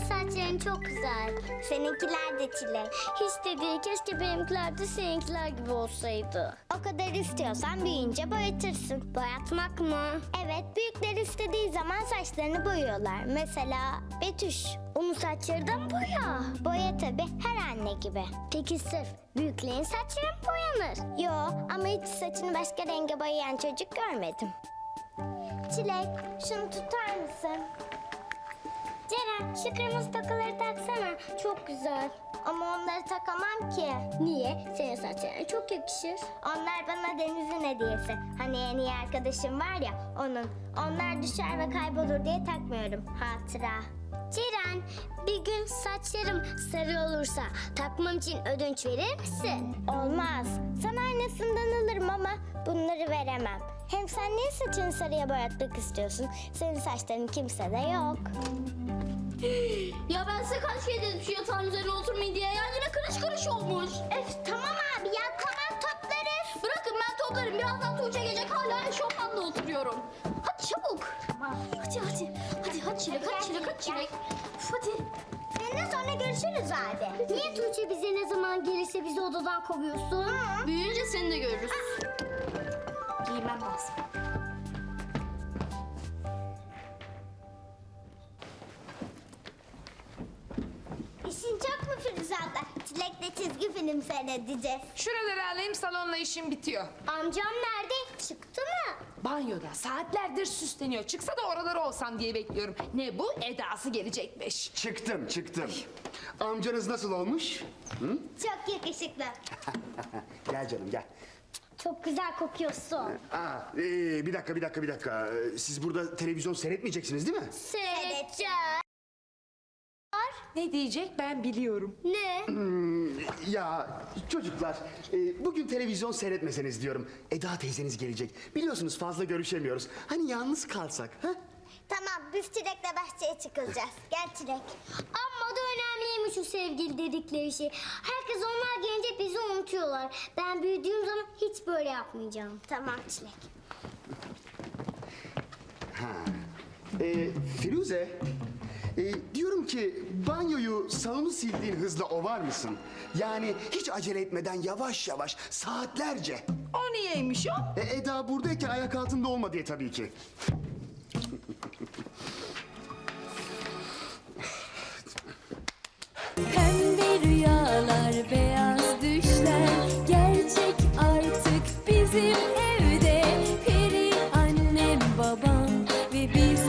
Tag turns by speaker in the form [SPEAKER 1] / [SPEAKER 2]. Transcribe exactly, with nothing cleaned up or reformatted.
[SPEAKER 1] saçların çok güzel.
[SPEAKER 2] Seninkiler de Çilek.
[SPEAKER 1] Hiç de değil, keşke benimkiler de seninkiler gibi olsaydı.
[SPEAKER 2] O kadar istiyorsan büyüyünce boyatırsın.
[SPEAKER 1] Boyatmak mı?
[SPEAKER 2] Evet, büyükler istediği zaman saçlarını boyuyorlar. Mesela Betüş.
[SPEAKER 1] Onun saçları da mı boya?
[SPEAKER 2] Boya tabii, her anne gibi.
[SPEAKER 1] Peki sırf büyüklerin saçları mı boyanır?
[SPEAKER 2] Yo, ama hiç saçını başka renge boyayan çocuk görmedim. Çilek, şunu tutar mısın?
[SPEAKER 1] Ceren, şu kırmızı tokaları taksana. Çok güzel.
[SPEAKER 2] Ama onları takamam ki.
[SPEAKER 1] Niye? Senin saçlarına çok yakışır.
[SPEAKER 2] Onlar bana Deniz'in hediyesi. Hani en iyi arkadaşım var ya, onun. Onlar düşer ve kaybolur diye takmıyorum. Hatıra.
[SPEAKER 1] Ceren, bir gün saçlarım sarı olursa takmam için ödünç verir misin?
[SPEAKER 2] Olmaz. Sana aynısından alırım ama bunları veremem. Hem sen niye saçını sarıya boyatmak istiyorsun? Senin saçların kimsede yok.
[SPEAKER 1] Ya ben size kaç kere dedim şu yatağın üzerine oturmayın diye. Ya yine karış karış olmuş.
[SPEAKER 2] Öf, tamam abi ya, tamam, toplarız.
[SPEAKER 1] Bırakın ben toplarım. Birazdan Tuğçe gelecek, hala eşofmanla oturuyorum. Hadi çabuk. Hadi hadi. Hadi hadi Çilek, hadi Çilek, hadi Çilek. Üf, hadi.
[SPEAKER 2] Seninle sonra görüşürüz abi.
[SPEAKER 1] Niye Tuğçe bize ne zaman gelirse bizi odadan kovuyorsun? Büyüyünce seni de görürüz. Giymem lazım.
[SPEAKER 2] İşin çok mu Firuze abla? Çilek'le çizgi film seyredeceğiz.
[SPEAKER 3] Şuraları alayım, salonla işim bitiyor.
[SPEAKER 1] Amcam nerede? Çıktı mı?
[SPEAKER 3] Banyoda saatlerdir süsleniyor. Çıksa da oraları olsam diye bekliyorum. Ne bu? Edası gelecekmiş.
[SPEAKER 4] Çıktım, çıktım. Amcanız nasıl olmuş? Hı?
[SPEAKER 2] Çok yakışıklı.
[SPEAKER 4] Gel canım, gel.
[SPEAKER 1] Çok güzel kokuyorsun.
[SPEAKER 4] Aa, ee, bir dakika, bir dakika, bir dakika. Ee, Siz burada televizyon seyretmeyeceksiniz değil mi?
[SPEAKER 1] Seyredeceğiz.
[SPEAKER 3] Ne diyecek ben biliyorum.
[SPEAKER 1] Ne?
[SPEAKER 4] Ya çocuklar, e, bugün televizyon seyretmeseniz diyorum. Eda teyzeniz gelecek. Biliyorsunuz fazla görüşemiyoruz. Hani yalnız kalsak, ha?
[SPEAKER 2] Tamam, biz Çilek'le bahçeye çıkılacağız. Gel Çilek.
[SPEAKER 1] Amma da önemliymiş o sevgili dedikleri şey. Herkes onlar gelince bizi unutuyorlar. Ben büyüdüğüm zaman hiç böyle yapmayacağım.
[SPEAKER 2] Tamam Çilek.
[SPEAKER 4] Ee, Firuze, e, diyorum ki banyoyu, salonu sildiğin hızla ovar mısın? Yani hiç acele etmeden yavaş yavaş, saatlerce.
[SPEAKER 3] O niyeymiş o?
[SPEAKER 4] E, Eda buradayken ayak altında olma diye tabii ki.
[SPEAKER 5] Pembe rüyalar, beyaz düşler gerçek artık bizim evde. Peri annem, babam ve biz